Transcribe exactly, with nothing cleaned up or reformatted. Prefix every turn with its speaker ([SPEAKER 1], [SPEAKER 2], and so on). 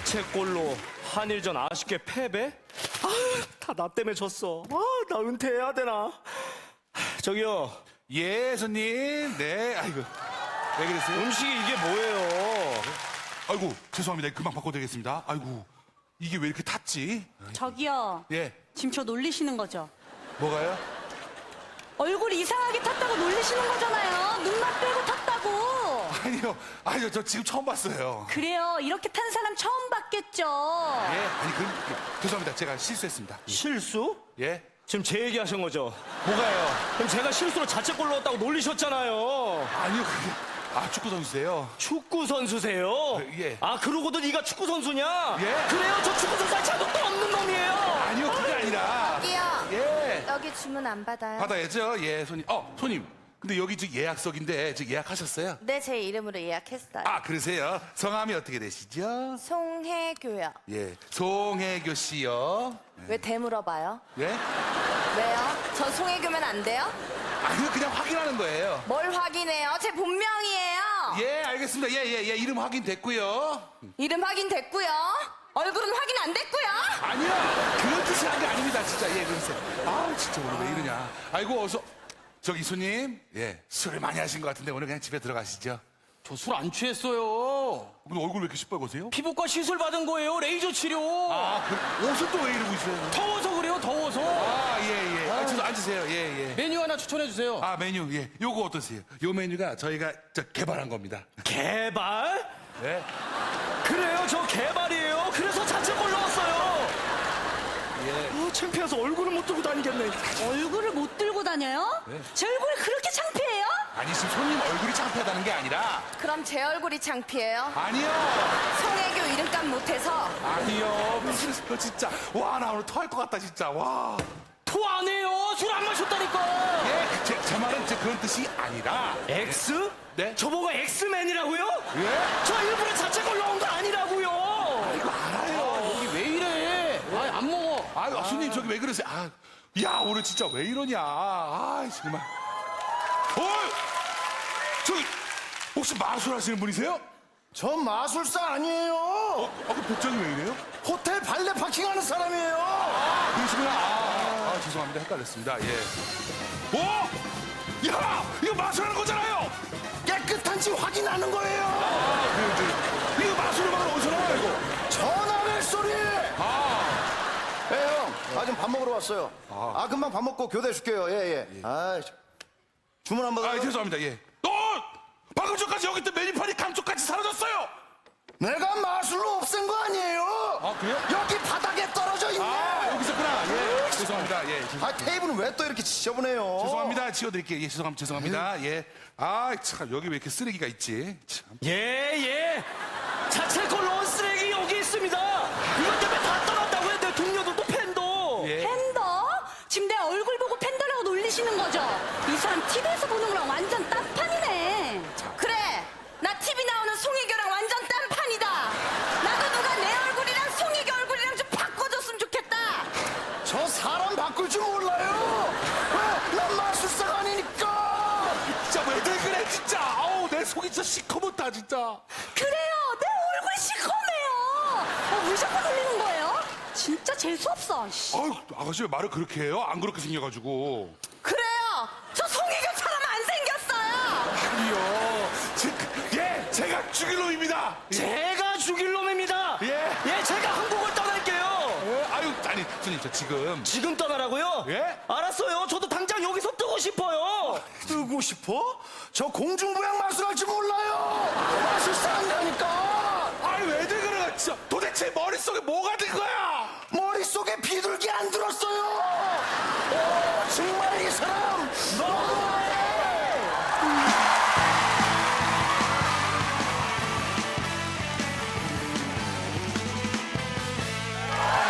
[SPEAKER 1] 자책골로 한일전 아쉽게 패배? 다 나 때문에 졌어. 아, 나 은퇴해야 되나? 저기요,
[SPEAKER 2] 예, 손님. 네, 아이고. 왜 그랬어요?
[SPEAKER 1] 음식이 이게 뭐예요?
[SPEAKER 2] 아이고, 죄송합니다. 금방 바꿔드리겠습니다. 아이고, 이게 왜 이렇게 탔지?
[SPEAKER 3] 저기요.
[SPEAKER 2] 예,
[SPEAKER 3] 지금 저 놀리시는 거죠?
[SPEAKER 2] 뭐가요?
[SPEAKER 3] 얼굴이 이상하게 탔다고 놀리시는 거잖아요. 눈만 빼고 탔다고.
[SPEAKER 2] 아니요, 아니요, 저 지금 처음 봤어요.
[SPEAKER 3] 그래요. 이렇게 탄 사람 처음 봤겠죠.
[SPEAKER 2] 예, 아니, 그, 예, 죄송합니다. 제가 실수했습니다.
[SPEAKER 1] 실수?
[SPEAKER 2] 예?
[SPEAKER 1] 지금 제 얘기 하신 거죠?
[SPEAKER 2] 뭐가요?
[SPEAKER 1] 그럼 제가 실수로 자책골 넣었다고 놀리셨잖아요.
[SPEAKER 2] 아니요, 그게, 아, 축구 선수세요.
[SPEAKER 1] 축구 선수세요?
[SPEAKER 2] 예.
[SPEAKER 1] 아, 그러고도 네가 축구 선수냐?
[SPEAKER 2] 예.
[SPEAKER 1] 그래요? 저 축구 선수 자격도 없는 놈이에요.
[SPEAKER 2] 아니요, 그게 아니라.
[SPEAKER 4] 여기요.
[SPEAKER 2] 예.
[SPEAKER 4] 여기 주문 안 받아요?
[SPEAKER 2] 받아야죠, 예, 손님. 어, 손님. 근데 여기 지금 예약석인데, 지금 예약하셨어요?
[SPEAKER 4] 네, 제 이름으로 예약했어요.
[SPEAKER 2] 아, 그러세요? 성함이 어떻게 되시죠?
[SPEAKER 4] 송혜교요.
[SPEAKER 2] 예, 송혜교 씨요.
[SPEAKER 4] 왜 대물어봐요?
[SPEAKER 2] 예?
[SPEAKER 4] 왜요? 저 송혜교면 안 돼요?
[SPEAKER 2] 아니요, 그냥 확인하는 거예요.
[SPEAKER 4] 뭘 확인해요? 제 본명이에요.
[SPEAKER 2] 예, 알겠습니다. 예, 예, 예, 이름 확인됐고요.
[SPEAKER 4] 이름 확인됐고요. 얼굴은 확인 안 됐고요.
[SPEAKER 2] 아니요, 그런 뜻이 한 게 아닙니다, 진짜. 예, 그러세요. 아, 진짜 오늘 왜 이러냐. 아이고, 어서. 저기 손님, 예, 술을 많이 하신 것 같은데 오늘 그냥 집에 들어가시죠.
[SPEAKER 1] 저 술 안 취했어요.
[SPEAKER 2] 근데 얼굴 왜 이렇게 시뻘거세요?
[SPEAKER 1] 피부과 시술 받은 거예요. 레이저 치료.
[SPEAKER 2] 아, 그 옷은 또 왜 이러고 있어요?
[SPEAKER 1] 더워서 그래요. 더워서.
[SPEAKER 2] 아, 예, 예. 아, 저도 앉으세요. 예, 예.
[SPEAKER 1] 메뉴 하나 추천해 주세요.
[SPEAKER 2] 아, 메뉴, 예. 요거 어떠세요? 요 메뉴가 저희가 저 개발한 겁니다.
[SPEAKER 1] 개발?
[SPEAKER 2] 예.
[SPEAKER 1] 그래요. 저 개발이에요. 그래서 자책골 넣었어요.
[SPEAKER 2] 예.
[SPEAKER 1] 아, 창피해서 얼굴을 못 들고 다니겠네.
[SPEAKER 3] 얼굴을 못 들고 다녀요?
[SPEAKER 2] 네.
[SPEAKER 3] 제 얼굴이 그렇게 창피해요?
[SPEAKER 2] 아니, 지금 손님 얼굴이 창피하다는 게 아니라.
[SPEAKER 4] 그럼 제 얼굴이 창피해요?
[SPEAKER 2] 아니요.
[SPEAKER 4] 송혜교 이름값 못해서?
[SPEAKER 2] 아니요. 무슨 소리 진짜. 와, 나 오늘 토할 것 같다, 진짜. 와.
[SPEAKER 1] 토 안 해요. 술 안 마셨다니까.
[SPEAKER 2] 예, 제, 제 말은 제 그런 뜻이 아니라.
[SPEAKER 1] 엑스?
[SPEAKER 2] 네?
[SPEAKER 1] 저보고 엑스맨이라고요?
[SPEAKER 2] 예?
[SPEAKER 1] 저 일부러 자책골 넣은 거 아니라고요.
[SPEAKER 2] 이거 알아요.
[SPEAKER 1] 여기 왜 이래? 아이, 안 먹어.
[SPEAKER 2] 아유, 손님 저기 왜 그러세요? 아, 야, 오늘 진짜 왜 이러냐. 아, 정말. 어, 저기 혹시 마술하시는 분이세요?
[SPEAKER 5] 전 마술사 아니에요.
[SPEAKER 2] 아, 그 복장이 왜 이래요?
[SPEAKER 5] 호텔 발레 파킹하는 사람이에요.
[SPEAKER 2] 아, 그러시구나. 아, 아, 아, 죄송합니다. 헷갈렸습니다. 예. 오, 야, 이거 마술하는 거잖아요.
[SPEAKER 5] 깨끗한지 확인하는 거예요.
[SPEAKER 2] 아, 그, 그, 이거 마술음악은 어디서 나와요, 이거?
[SPEAKER 5] 전화벨 소리.
[SPEAKER 2] 아,
[SPEAKER 5] 예, 형. 아, 지금 밥 먹으러 왔어요. 아, 금방 밥 먹고 교대 줄게요. 예, 예. 아, 주문 한 번.
[SPEAKER 2] 아, 죄송합니다. 예. 어, 방금 전까지 여기 있던 메뉴판이 감쪽같이 사라졌어요.
[SPEAKER 5] 내가 마술로 없앤 거 아니에요?
[SPEAKER 2] 아, 그래요?
[SPEAKER 5] 여기 바닥에 떨어져 있네.
[SPEAKER 2] 아, 여기 있었구나. 예, 죄송합니다. 예, 죄송-
[SPEAKER 5] 아, 테이블은 왜 또 이렇게 지저분해요?
[SPEAKER 2] 죄송합니다. 치워드릴게요. 예, 죄송합니다. 죄송합니다. 예. 아, 참, 여기 왜 이렇게 쓰레기가 있지? 참.
[SPEAKER 1] 예, 예. 자책골 넣은 쓰레기 여기 있습니다. 이것 때문에 다 떠났다고요. 내 동료들도 팬도.
[SPEAKER 2] 예.
[SPEAKER 3] 팬더? 지금 내 얼굴 보고 팬더라고 놀리시는 거죠? 이 사람 티비에서 보는 거랑 완전 딴판이네.
[SPEAKER 4] 그래, 나 티비 나오는 송혜교랑 완전 딴판이다. 나도 누가 내 얼굴이랑 송혜교 얼굴이랑 좀 바꿔줬으면 좋겠다.
[SPEAKER 5] 저 사람 바꿀 줄 몰라요. 왜? 난 마술사가 아니니까.
[SPEAKER 2] 진짜 왜들 그래, 진짜. 아우, 내 속이 진짜 시커멓다, 진짜.
[SPEAKER 3] 그래요. 내 얼굴 시커매요. 어, 왜 자꾸 놀리는 거예요? 진짜 재수없어. 씨.
[SPEAKER 2] 아유, 아가씨 왜 말을 그렇게 해요? 안 그렇게 생겨가지고.
[SPEAKER 4] 그래요, 저 송혜교처럼 안 생겼어요.
[SPEAKER 2] 아니요. 제, 그, 예, 제가 죽일 놈입니다. 예.
[SPEAKER 1] 제가 죽일 놈입니다.
[SPEAKER 2] 예.
[SPEAKER 1] 예, 제가 한국을 떠날게요.
[SPEAKER 2] 예, 아유, 아니, 손님, 저 지금.
[SPEAKER 1] 지금 떠나라고요?
[SPEAKER 2] 예?
[SPEAKER 1] 알았어요. 저도 당장 여기서 뜨고 싶어요.
[SPEAKER 5] 뜨고 싶어? 저 공중부양 마술할 줄 몰라요. 마술사 한다니까.
[SPEAKER 2] 아니, 왜들 그래, 진짜. 도대체 머릿속에 뭐가